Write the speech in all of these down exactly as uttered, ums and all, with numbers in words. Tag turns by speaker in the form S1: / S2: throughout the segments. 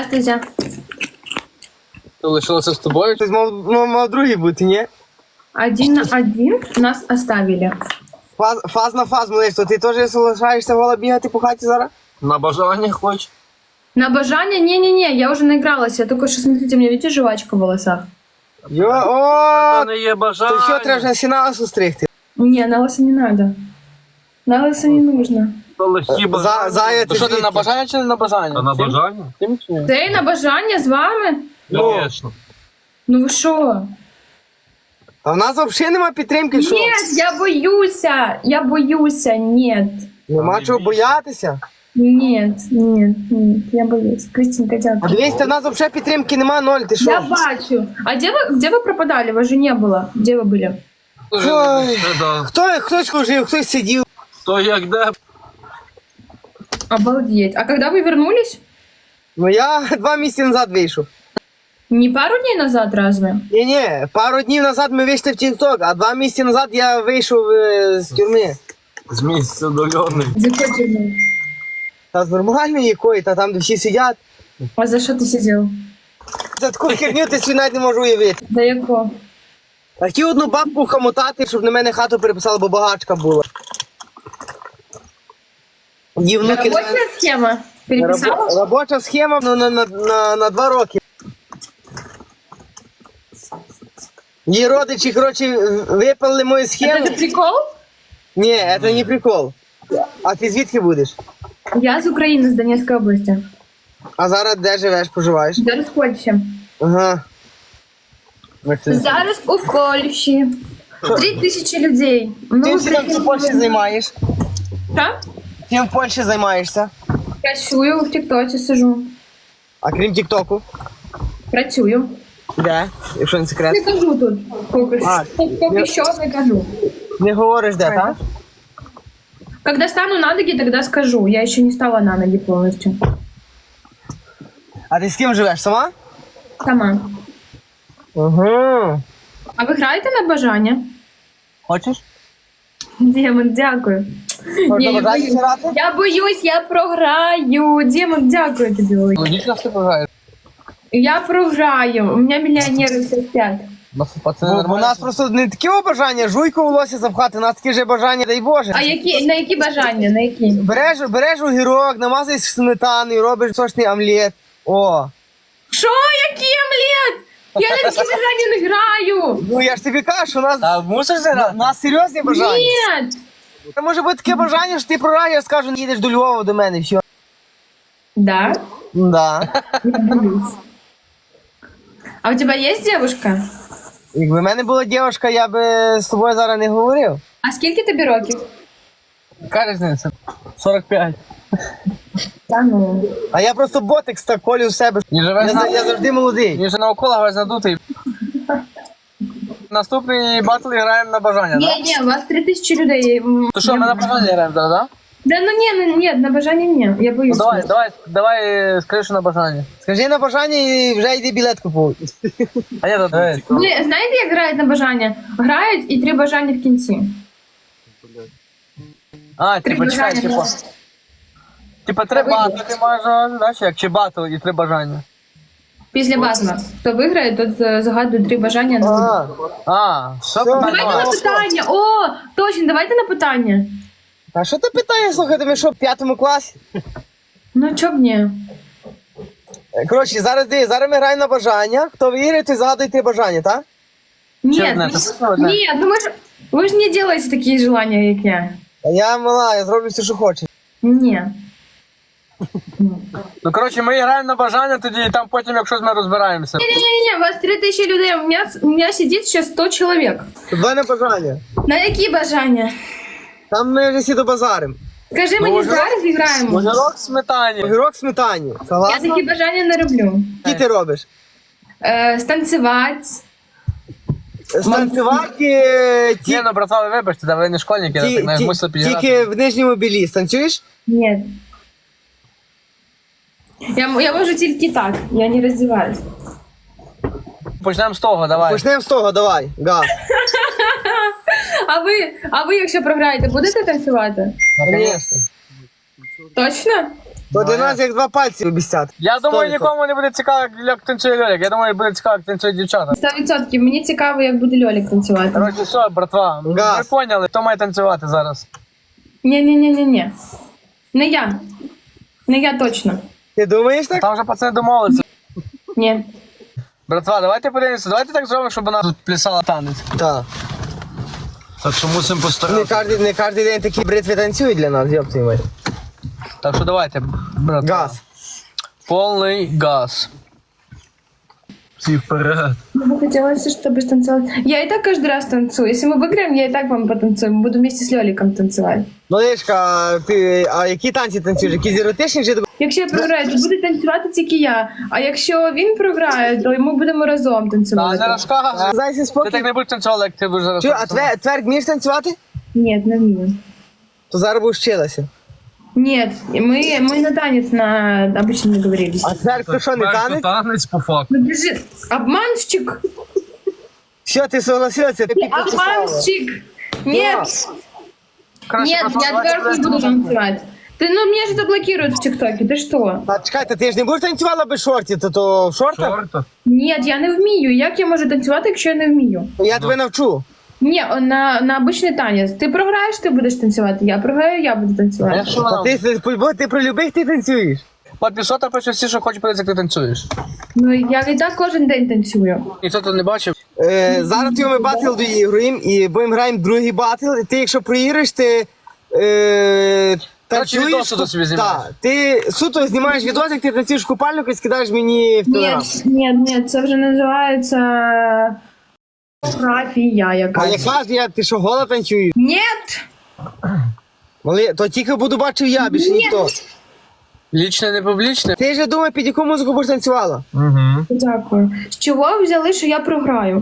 S1: Здравствуйте.
S2: То лишилося з тобою?
S3: Хтось мав, мав, мав другий бути, ні?
S1: Один на один нас оставили.
S3: Фаз, фаз на фаз, малиш, то ти теж залишаєшся гола бігати по хаті зараз?
S2: На бажання хоч.
S1: На обожание? Не-не-не, я уже наигралась. Я только что, смотрите, у меня, видите, жвачка в волосах?
S3: Йо,
S2: Та
S3: о,
S2: не є
S3: то
S2: бажання.
S3: що, треба вже сіналосу стригти?
S1: Не, на лысо не надо. На лысо не нужно.
S2: То легкі
S3: За,
S2: бажання.
S3: зая,
S2: То
S3: ти
S2: що ти
S3: звідки?
S2: на бажання чи не на бажання?
S4: Та на
S2: Тим-
S4: бажання?
S2: Тим чи ні?
S1: Ты на обожание с вами?
S4: Звісно.
S1: Ну вы шо?
S3: А в нас взагалі нема підтримки, що?
S1: Нет, я боюся. Я боюся, нет.
S3: Нема чого боятися.
S1: Нет, нет, нет, я боюсь. Кристинка,
S3: А
S1: дякую.
S3: дивись, та в нас взагалі підтримки нема, ноль, ти
S1: Я
S3: що?
S1: бачу. А где вы, где вы пропадали? Вас же не было. Где вы были?
S3: Ой,
S4: Це да.
S3: хто, хтось служив, хтось сидів.
S4: То як де?
S1: Обалдеть. А когда вы вернулись?
S3: Ну я два місяці назад вийшов.
S1: Не пару дней назад разве?
S3: Ні-ні, пару днів назад ми вийшли в TikTok, а два місяці назад я вийшов е, з тюрми.
S4: З місця дольоний.
S1: Закрытый.
S3: Та з нормальної якої, та там, де всі сидять.
S1: А за что ты сидел?
S3: За таку херню ти свій навіть не можу уявити.
S1: За яко?
S3: А хотів одну бабку хамотати, щоб на мене хату переписала, бо багачка була. Її внуки...
S1: Рабочая схема? Переписала?
S3: Рабо- Робоча схема ну, на, на, на, на два роки. Її родичі, коротше, випали мою
S1: Это
S3: схему.
S1: же прикол?
S3: Ні, це не прикол. А ти звідки будеш?
S1: Я с Украины, с Донецкой области.
S3: А зараз де живеш, поживаєш?
S1: Зараз в Польщі.
S3: Ага.
S1: Зараз у Польщі. Три тисячі людей. Ну,
S3: Чим
S1: ви
S3: ти там в Польщі займаєш?
S1: Що?
S3: Чим в Польщі займаєшся?
S1: Працюю, в Тіктоці сижу.
S3: А крім Тіктоку?
S1: Працюю.
S3: Де? Якщо не секрет.
S1: Не кажу тут. Поки
S3: А,
S1: що, поки що не кажу.
S3: Не говориш де, так?
S1: Когда стану на ноги, тогда скажу. Я еще не стала на ноги полностью.
S3: А ти з ким живеш? Сама?
S1: Сама.
S3: Угу.
S1: А ви граєте на бажання?
S3: Хочеш?
S1: Демон, дякую.
S3: Можна
S1: Ні, я
S3: бажати
S1: боюсь.
S3: грати?
S1: Я боюсь, я програю. Демон, дякую тобі. велике.
S2: Логічно все програєш.
S1: Я програю. У меня миллионеры все спят.
S2: Пацани
S3: Бо у
S2: нормально.
S3: нас просто не такі бажання, жуйку волосся запхати, у нас такі ж бажання, дай Боже.
S1: А які, на які бажання? На які?
S3: Береш, береш огірок, намазуєш сметаною, робиш сочний омлет. О.
S1: Що? Який омлет? Я на такі бажання не граю.
S3: Ну я ж тобі кажу, у нас,
S2: Та мусиш
S3: у
S2: зіграти?
S3: нас серйозні бажання.
S1: Нет.
S3: Це може бути таке бажання, що ти програєш, я скажу, не їдеш до Львова до мене, все.
S1: Да?
S3: Да.
S1: Я боюсь. А у тебя есть девушка?
S3: Якби в мене була дівчинка, я би з тобою зараз не говорив.
S1: А скільки тобі років?
S2: Яка різниця? сорок п'ять.
S1: Та ну.
S3: А я просто ботекс так колю в себе.
S2: Ні,
S3: Я,
S2: живеш
S3: за-
S2: на...
S3: я завжди молодий.
S2: Ні, вже навколо весь надутий. Наступний батл граємо на бажання, так?
S1: Не, не, у вас три тисячі людей. М,
S2: То що,
S1: я-
S2: ми на бажання граємо зараз, так?
S1: Да ну не, ну нет, на бажання ні. Я
S2: Ну
S1: боюсь.
S2: давай, давай, давай, скажи, що на бажання.
S3: Скажи на бажання і вже йди білет купуй.
S2: А я тут.
S1: Ви знаєте, як грають на бажання? Грають і три бажання в кінці.
S2: А,
S1: Три
S2: типа, чекай,
S1: бажання.
S2: типа. Типа три батли ти маєш, знаєш, як чи батл і три бажання.
S1: Після батла. Хто виграє, тот е, загадує три бажання на
S3: А,
S2: А, що
S3: Все.
S1: Давайте на
S2: питання?
S1: питання. О, точно, давайте на питання.
S3: а що ти питаєш, слухай, ми що, в п'ятому класі?
S1: Ну чо б ні?
S3: Коротше, зараз дивись, зараз ми граємо на бажання. Хто виграє, той загадує три бажання, так?
S1: Ні,
S2: одне?
S1: ну,
S2: Це одне?
S1: ні, ну ви ж ви ж не робите такі желання, як я.
S3: А я мала, я зроблю все, що хочу.
S1: Ні.
S2: Ну, коротше, ми граємо на бажання, тоді і там потім, якщо ми розбираємося.
S1: Не-не-не, у вас три тисячі людей, у мене, у мене сидить ще сто чоловік.
S3: Два на бажання.
S1: На які бажання?
S3: Там ми вже всі до базарим.
S1: Скажи мені
S2: Може,
S1: зараз і граємо.
S2: Огірок в сметані.
S3: Огірок в сметані.
S1: Я
S3: Согласна?
S1: такі бажання не роблю.
S3: Які ти робиш?
S1: Е, станцювати.
S3: Станцювати е, ті,
S2: Ні, ну, братва, ви вибачте, да ви не школьники,
S3: ті,
S2: так не
S3: ті,
S2: мусили підіграти.
S3: тільки в нижньому білі. Станцюєш?
S1: Ні. Я, я можу тільки так, я не роздіваюсь.
S2: Почнемо з того, давай.
S3: Почнемо з того, давай. Га.
S1: А ви, а ви, якщо програєте, будете танцювати?
S2: Наконець.
S1: Точно?
S3: То для нас як два пальці обіцяти.
S2: Я думаю,
S3: Сто
S2: нікому не буде цікаво, як- як танцює Льолік. Я думаю, буде цікаво, як танцює дівчата.
S1: Сто відсотків. Мені цікаво, як буде Льолік танцювати.
S2: Коротше, все, братва, ви
S3: Газ.
S2: поняли, хто має танцювати зараз.
S1: Ні-ні-ні-ні-ні. Не я. Не я точно.
S3: Ти думаєш так?
S2: Там вже пацани домовилися.
S1: Ні.
S2: Братва, давайте подивимося, давайте так зробимо, щоб вона тут плясала танець.
S3: Так.
S4: Так що мусимо
S3: Не
S4: постаратися.
S3: кожен, не кожен день такі бритви танцюють для нас, йоп твою мать.
S2: Так що давайте, братва.
S3: Газ.
S2: Повний газ.
S4: Всі вперед.
S1: Мне бы хотелось, чтобы станцевать. Я и так каждый раз танцую. Если мы выиграем, я и так вам потанцую. Буду вместе с Лёликом танцевать.
S3: Ну, Лешка, ти, а які танці танцюєш? Якісь еротичні чи такі?
S1: Якщо я програю, то буде танцювати тільки я. А якщо він програє, то ми будемо разом
S2: Та
S1: танцювати.
S2: не розказуй.
S3: Зайся
S2: Ти
S3: спокій.
S2: так не будеш танцювати, як ти будеш зараз.
S3: Чу, а твер, тверк вмієш танцювати?
S1: Нет, не вмію.
S3: То зараз будеш вчилася.
S1: Нет, мы, мы на танец на обычно договорились.
S3: А тверк то що, не
S4: Тепер
S3: танець?
S4: танець по факту.
S1: Ну, держи. Обманщик!
S3: Що, ти согласилася? Ти підписала.
S1: Обманщик! Нет!
S2: Коротше,
S1: Нет,
S2: братва,
S1: я
S2: давайте
S1: тверк не буду
S2: подивимося.
S1: танцевать. Ты, ну, меня же заблокируют в ТикТоке, ты что?
S3: Та чекайте, ти ж не будеш танцювала без шортів, то, то в шортах?
S4: Чорта.
S1: Нет, я не вмію. Як я можу танцювати, якщо я не вмію?
S3: Я тебе навчу.
S1: Ні, на, на обичний танець. Ти програєш, ти будеш танцювати. Я програю, я буду танцювати.
S2: Якщо
S3: Та
S2: вона...
S3: ти, ти, бо ти про любих ти танцюєш.
S2: Папі, що там пише всі, що хочуть подивитися, як ти танцюєш?
S1: Ну я і так кожен день танцюю.
S2: Ніхто тут не бачив.
S3: Е, зараз ти ми батл доігруємо і будемо граємо другий батл. І ти, якщо проіграєш, ти е,
S2: Коротше,
S3: танцюєш.
S2: відоси до собі знімаєш.
S3: Так, ти суто знімаєш відос, як ти танцюєш в купальнику і скидаєш мені в
S1: Ні,
S3: телеграм.
S1: ні, ні, це вже називається фотографія
S3: А
S1: якась.
S3: яка ж я, ти що, гола танцюєш?
S1: Ні!
S3: Мали, то тільки буду бачив я, більше
S1: Ні.
S3: ніхто.
S2: Лічне, не публічне.
S3: Ти ж думай, під яку музику будеш танцювала?
S4: Угу.
S1: Дякую. З чого ви взяли, що я програю?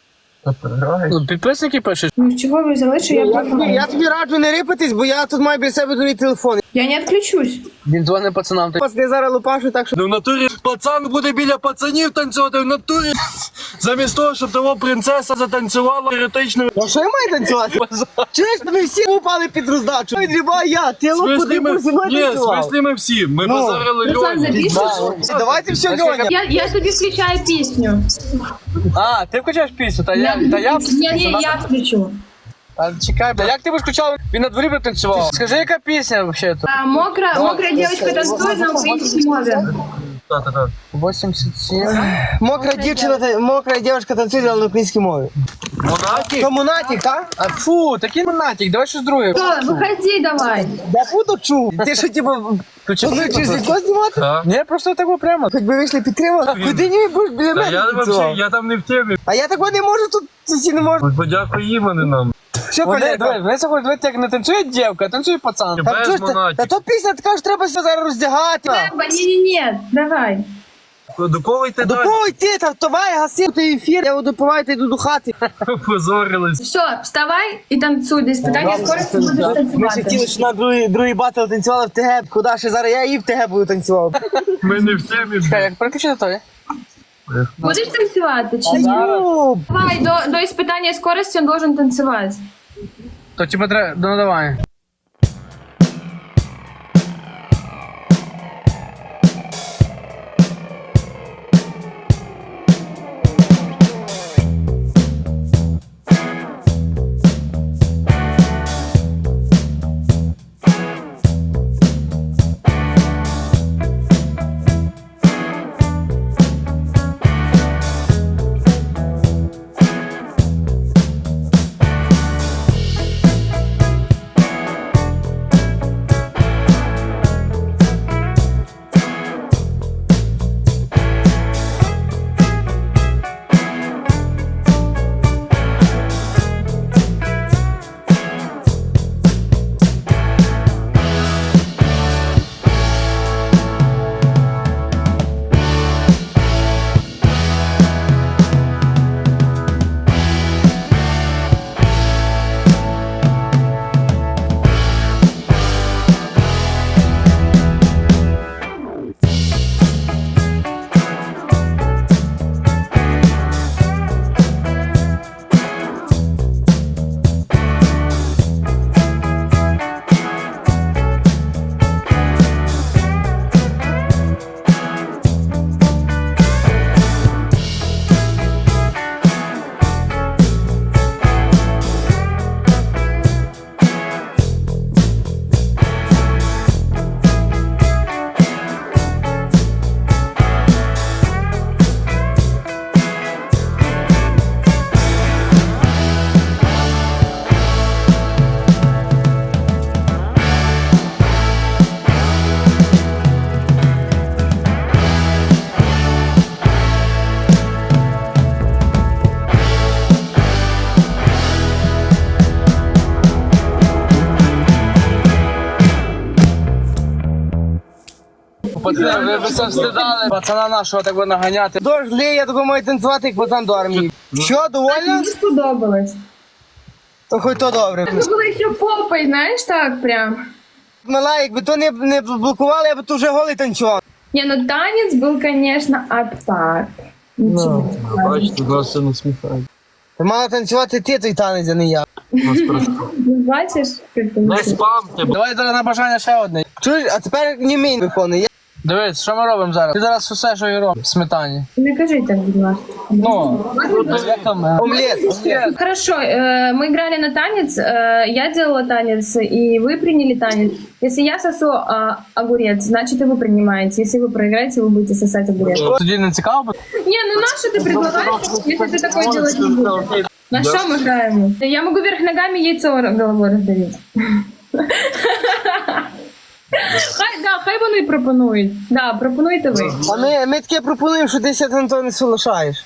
S2: Ну, підписники пишуть.
S1: Ну, з чого ви взяли, що я
S3: Я тобі,
S1: програю?
S3: я тобі раджу не рипатись, бо я тут маю біля себе другий телефон.
S1: Я не відключусь.
S2: Він дзвонить пацанам. ти-
S3: Пацани зараз лупашу, так що...
S4: Ну в натурі пацан буде біля пацанів танцювати, в натурі. Замість того, щоб того принцеса затанцювала еротичною.
S3: А що я маю танцювати? Чуєш, ми всі упали під роздачу. Відрібай я, ти
S4: В
S3: лопу
S4: смислі
S3: ти
S4: ми...
S3: зі мною
S4: Ні, в
S3: танцював.
S4: смислі ми всі. Ми
S3: Ну.
S4: базарили
S1: Руслан,
S4: Льоні.
S1: запишеш?
S3: Давайте все, Льоня.
S1: Я, я тобі включаю пісню.
S2: А, ти включаєш пісню, та я, та я...
S1: Ні, ні, я включу.
S2: Та чекай, бля, як ти будеш включав? Він на дворі би танцював. Скажи, яка пісня взагалі то?
S1: А, мокра, мокрая девочка танцует на українській мові.
S4: Та-та-та.
S2: вісімдесят сім.
S3: Мокра дівчина, та- мокра дівчинка танцює але на українській мові.
S4: Монатік?
S3: То Монатік, так?
S2: А фу, такий монатік, давай щось друге.
S1: Що, виходи давай.
S3: Я буду чув. Ти що, типу,
S2: Включи.
S3: плануєш відео знімати?
S4: Так.
S2: Ні, просто так прямо.
S3: Хоч би вийшли підтримали. Куди не будеш біля
S4: Та
S3: мене
S4: я
S3: танцював?
S4: вообще, я там не в темі.
S3: А я такого не можу тут, сусі не можу.
S4: Подякуй їм, а не нам.
S3: Що,
S2: Вони,
S3: колега?
S2: дивись, вони заходять, дивіться, як не танцює дівка, а танцює пацан.
S3: Та
S4: Без
S3: чого ж ти- Та
S4: Монатік.
S3: то пісня така ж треба все зараз роздягати.
S1: Треба, ні-ні-ні, давай.
S4: До кого йти
S3: До
S4: далі?
S3: кого йти? Та давай, гаси той ефір, я допиваю, та йду до хати.
S4: Позорились.
S1: Все, вставай і танцуй. Десь питання скорості будеш
S3: Ми ще
S1: танцювати.
S3: хотіли, що на другий, другий батл танцювали в ТГ. Куди ще зараз я і в ТГ буду танцював.
S4: Ми не в темі.
S2: Чекай, як переключити то, є?
S1: Будеш танцювати чи ні?
S3: Ну,
S1: Давай, до, до испытания скорости он должен танцевать.
S2: То типа треба, ну давай. Пацани, ви б це встидали. Пацана нашого так би наганяти.
S3: Дощ лє, я тако маю танцювати, як пацан до армії. Що, довольно?
S1: Мені сподобалось.
S3: То хоч то добре.
S1: Це було ще попой, знаєш, так прям.
S3: Мала, якби то не, не блокували, я б тут вже голий танцював.
S1: Не, ну танец был, конечно, а так. Ничего.
S4: Бачите, нас все насміхають.
S3: Ти мала танцювати ти той танець, а не я.
S4: Нас просто.
S1: Ну, бачиш, як
S4: Не
S1: це?
S4: спамте, бо
S2: Давай зараз на бажання ще одне.
S3: Чуєш, а тепер не мій виконує.
S2: Дивись, що ми робимо зараз? Ти зараз усе, що і робиш, сметані.
S1: Не кажи так, будь ласка.
S2: Ну, як там? е,
S3: Омлет.
S2: омлет.
S1: Хорошо, э, мы играли на танец, э, я делала танец, и вы приняли танец. Если я сосу э, огурец, значит и вы принимаете. Если вы проиграете, вы будете сосать огурец.
S2: Тоді не цікаво? бо-
S1: Не, ну на что ты предлагаешь, если ты такое делать не будешь? На что мы играем? Я могу вверх ногами яйцо головой раздавить. Хай, да, хай вони пропонують. Да, пропонуйте ви.
S3: А ми, ми таке пропонуємо, що ти ся на то не соглашаєш.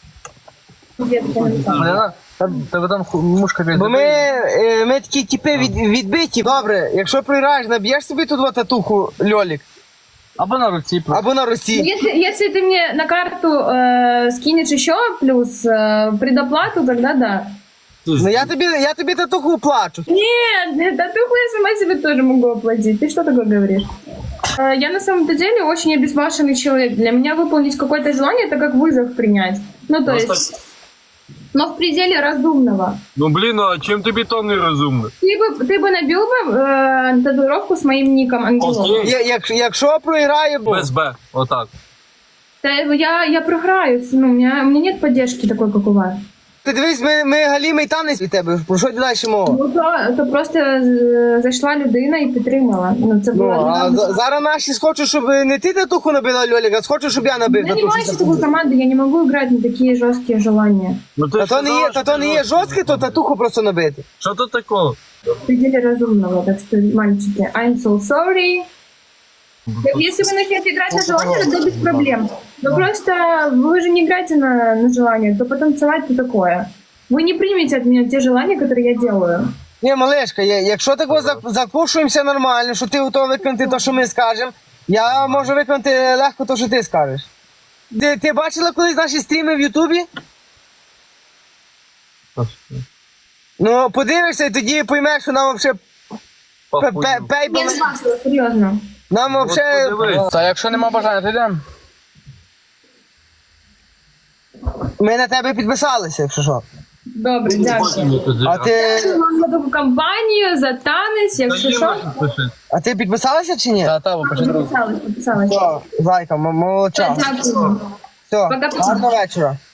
S2: Блін, та- Тебе там ху- мушка біля.
S3: Бо ми, е, ми такі типи від, відбиті. Добре, якщо програєш, наб'єш собі тут от татуху льолік.
S2: Або на руці. просто.
S3: Або на Росії.
S1: Если, если ты мне на карту э, скинешь еще плюс э, предоплату, тогда да.
S3: Ну я тобі, я тобі татуху плачу.
S1: Нет, татуху я сама себе тоже могу оплатить. Ты что такое говоришь? Э, Я на самом-то деле очень обезбашенный человек. Для меня выполнить какое-то желание — это как вызов принять. Ну, то есть... Но в пределе разумного.
S4: Ну блін, а чим тобі то не розумно?
S1: Ты бы, ты бы набил бы э, татуировку с моим ником Ангелов.
S4: Окей.
S3: Я, як, якщо програю, бо...
S4: Без Б, отак.
S1: Да, я, я програю. Ну, у, меня, у меня нет поддержки такой, как у вас.
S3: Ти дивись, ми, ми галімий танець від тебе. Про що далі мова?
S1: Ну, то, то просто е, зайшла людина і підтримала. Ну, це
S3: Ну,
S1: було...
S3: а за- зараз наші схочуть, щоб не ти татуху набила льолік, а схочуть, щоб я набив
S1: Я не
S3: татуху.
S1: маю такой команды, я не могу играть на такие жесткие желания.
S4: Ну ти
S3: Та
S4: ж
S3: то не є,
S4: казала,
S3: та
S4: що
S3: то не є
S4: ти-
S3: жорстке, то татуху просто набити.
S4: Що тут такого?
S1: В пределе разумного, так что, мальчики, I'm so sorry. Если вы начнете играть на желание, то без проблем. Но просто вы же не играете на, на желание, то потанцевать то такое. Вы не примете от меня те желания, которые я делаю.
S3: Ні, малешка, я- якщо такого зак- закушуємося нормально, що ти готовий виконати те, що ми скажемо, я можу виконати легко те, що ти скажеш. Ти, ти бачила колись наші стріми в Ютубі? Ну, подивишся і тоді поймеш, що нам взагалі
S4: Похуй.
S1: Я
S3: пейбл.
S1: не бачила, серьезно.
S3: Нам
S4: От
S3: взагалі.
S4: подивись.
S2: Та якщо нема бажання, то йдемо.
S3: Ми на тебе підписалися, якщо що.
S1: Добре, дякую.
S3: А ти,
S1: Дякую вам за таку компанію, за танець, якщо що.
S3: а ти підписалася чи ні?
S2: Та, та, бо почати.
S1: Підписалась, підписалась.
S3: Все, зайка, м- молодча.
S1: Дякую.
S3: Все,
S1: Пока-пока.
S3: гарного вечора.